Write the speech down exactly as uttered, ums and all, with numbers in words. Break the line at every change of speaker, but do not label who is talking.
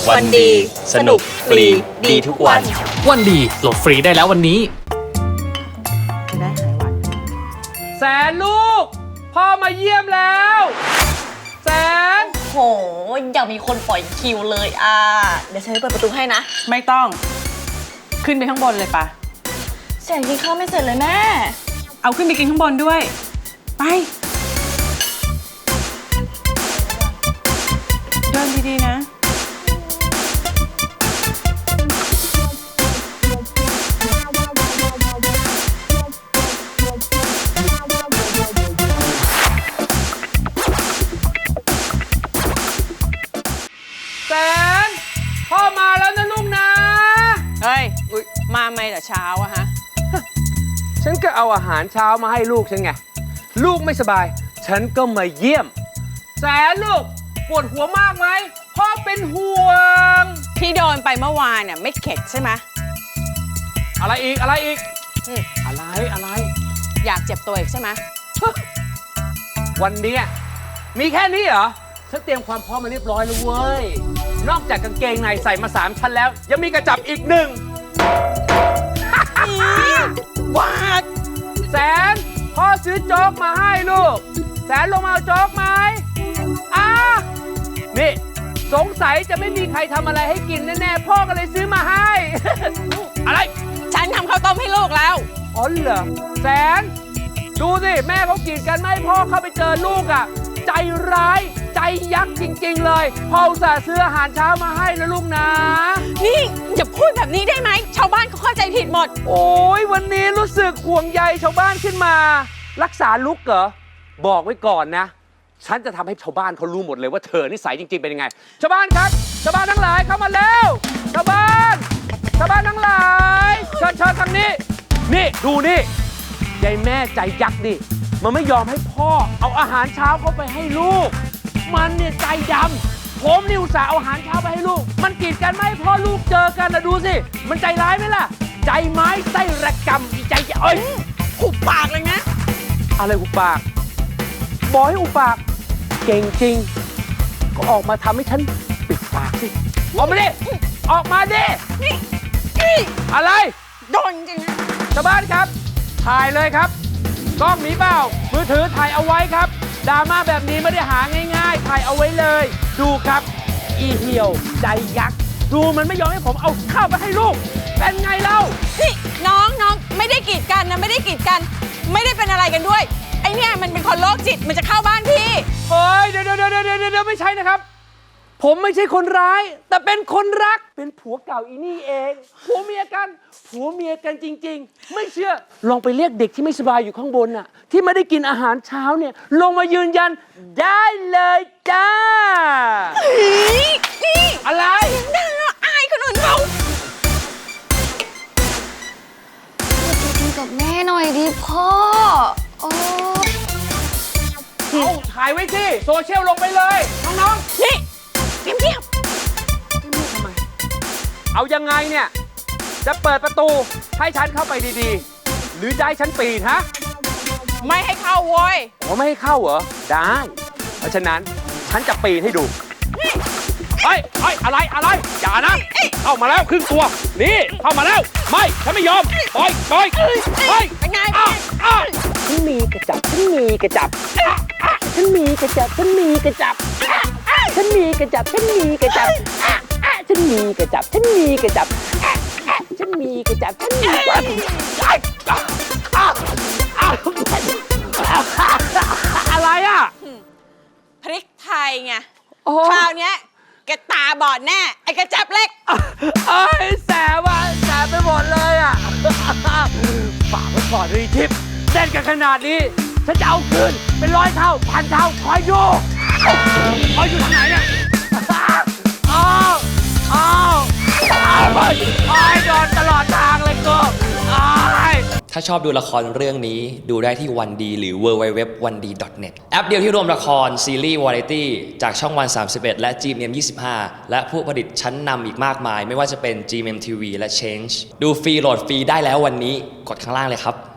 วันดีสนุกฟรีดีทุกวัน
วันดีโหลดฟรีได้แล้ววันนี้
จะได้หายหวัด
แสนลูกพ่อมาเยี่ยมแล้วแสน
โหอยากมีคนปล่อยคิวเลยอ่ะเดี๋ยวฉันไปเปิดประตูให้นะ
ไม่ต้องขึ้นไปข้างบนเลยปะ
แสนกินข้าวไม่เสร็จเลยแม่
เอาขึ้นไปกินข้างบนด้วยไปเดินดีๆนะ
แสนพ่อมาแล้วนะลูกนะ
เฮ้ยมาไม่แต่เช้าอะฮะ
ฉันก็เอาอาหารเช้ามาให้ลูกฉันไงลูกไม่สบายฉันก็มาเยี่ยมแสนลูกปวดหัวมากไหมพ่อเป็นห่วง
ที่โดนไปเมื่อวานเนี่ยไม่เข็ดใช่ไหม
อะไรอีกอะไรอีกอะไรอะไร
อยากเจ็บตัวอีกใช่ไหม
วันนี้มีแค่นี้เหรอฉันเตรียมความพร้อมมาเรียบร้อยแล้วเว้ยนอกจากกางเกงในใส่มาสามชั้นแล้วยังมีกระจับอีกหนึ่ง
วาด
แสนพ่อซื้อโจ๊กมาให้ลูกแสนลงมาเอาโจ๊กไหมอ่ะนี่สงสัยจะไม่มีใครทำอะไรให้กินแน่ๆพ่อก็เลยซื้อมาให้ อะไร
ฉันทำข้าวต้มให้ลูกแล้ว
อ๋อเหรอแสนดูสิแม่เขากีดกันไม่ให้พ่อเข้าไปเจอลูกอ่ะใจร้ายใจยักษ์จริงๆเลยพ่ออุตส่าห์ซื้ออาหารเช้ามาให้นะลูกนะ
นี่อย่าพูดแบบนี้ได้ไหมชาวบ้านเขาเข้าใจผิดหมด
โอ้ยวันนี้รู้สึกห่วงใยชาวบ้านขึ้นมารักษาลุกเหรอบอกไว้ก่อนนะฉันจะทำให้ชาวบ้านเขารู้หมดเลยว่าเธอนิสัยจริงๆเป็นยังไงชาวบ้านครับชาวบ้านทั้งหลายเข้ามาแล้วชาวบ้านชาวบ้านทั้งหลายเชิญเชิญทางนี้นี่ดูนี่ยายแม่ใจยักษ์ดิมันไม่ยอมให้พ่อเอาอาหารเช้าเข้าไปให้ลูกมันเนี่ยใจดำผมนี่อุตส่าห์เอาอาหารเช้าไปให้ลูกมันกีดกันไม่ให้พ่อลูกเจอกันนะดูสิมันใจร้ายไหมล่ะใจไม้ไส้ระกำอีใจเอ้ย
หุบปากเลยนะ
อะไรหุบปากบอกให้หุบปากเก่งจริงก็ออกมาทำให้ฉันปิดปากสิออกมาดิออกมาดิ
นี่นี่
อะไร
โดนจริงนะ
ชาวบ้านครับถ่ายเลยครับกล้องมีเปล่ามือถือถ่ายเอาไว้ครับดราม่าแบบนี้ไม่ได้หาง่ายๆถ่ายเอาไว้เลยดูครับอีเหี่ยวใจยักษ์ดูมันไม่ยอมให้ผมเอาข้าวไปให้ลูกเป็นไงเล่า
นี่น้องน้องไม่ได้กีดกันนะไม่ได้กีดกันไม่ได้เป็นอะไรกันด้วยไอเนี่ยมันเป็นคนโรคจิตมันจะเข้าบ้านพี่
เฮ้ยเดี๋ยวเดี๋ยวเดี๋ยวเดี๋ยวเดี๋ยวไม่ใช่นะครับผมไม่ใช่คนร้ายแต่เป็นคนรักเป็นผัวเก่าอีนี่เองผัวเมียกันผัวเมียกันจริงๆไม่เชื่อลองไปเรียกเด็กที่ไม่สบายอยู่ข้างบนน่ะที่ไม่ได้กินอาหารเช้าเนี่ยลงมายืนยันได้เลยจ้า
นี่
อะไร
น่าอายคนอื่นเขา
ดีกับแม่หน่อยดิพ่อโอ้
เอาถ่ายไว้สิโซเชียลลงไปเลยน้องๆ
นี่เงียบ
ๆทำไมเอายังไงเนี่ยจะเปิดประตูให้ฉันเข้าไปดีๆหรือจะให้ฉันปีนฮะ
ไม่ให้เข้าโว้ย
อ๋อไม่ให้เข้าเหรอได้เพราะฉะนั้นฉันจะปีนให้ดูเฮ้ยเฮ้ยอะไรอะไรอย่านะเข้ามาแล้วครึ่งตัวนี่เข้ามาแล้วไม่ฉันไม่ยอมปล่อยปล่อยเฮ้ย
เป็นไง
ฉันมีกระจับฉันมีกระจับฉันมีกระจับฉันมีกระจับฉันมีกระจับฉันมีกระจับฉันมีกระจับฉันมีกระจับฉันมีกระจับฉันมีกระจับอะไรอ่ะ
พริกไทยไงคราวนี้แกตาบอดแน่ไอ้กระจับเล็ก
เอ้ยแสบว่ะแสบไปหมดเลยอ่ะฝากไว้ก่อนเลยทิพย์เต้นกันขนาดนี้ฉันจะเอาคืนเป็นร้อยเท่าพันเท่าคอยดูคอยอยู่ที่ไหนเนี่ยอ้าวอ้าวอ้าวไปอ้าวโดนตลอดทางเลยกูอ้าว
ถ้าชอบดูละครเรื่องนี้ดูได้ที่วันดีหรือ ดับเบิลยู ดับเบิลยู ดับเบิลยู ดอท วันดี ดอท เน็ต แอปเดียวที่รวมละครซีรีส์วาไรตี้จากช่องวันสามสิบเอ็ดและ จี เอ็ม ยี่สิบห้า และผู้ผลิตชั้นนำอีกมากมายไม่ว่าจะเป็น จี เอ็ม ที วี และ Change ดูฟรีโหลดฟรีได้แล้ววันนี้กดข้างล่างเลยครับ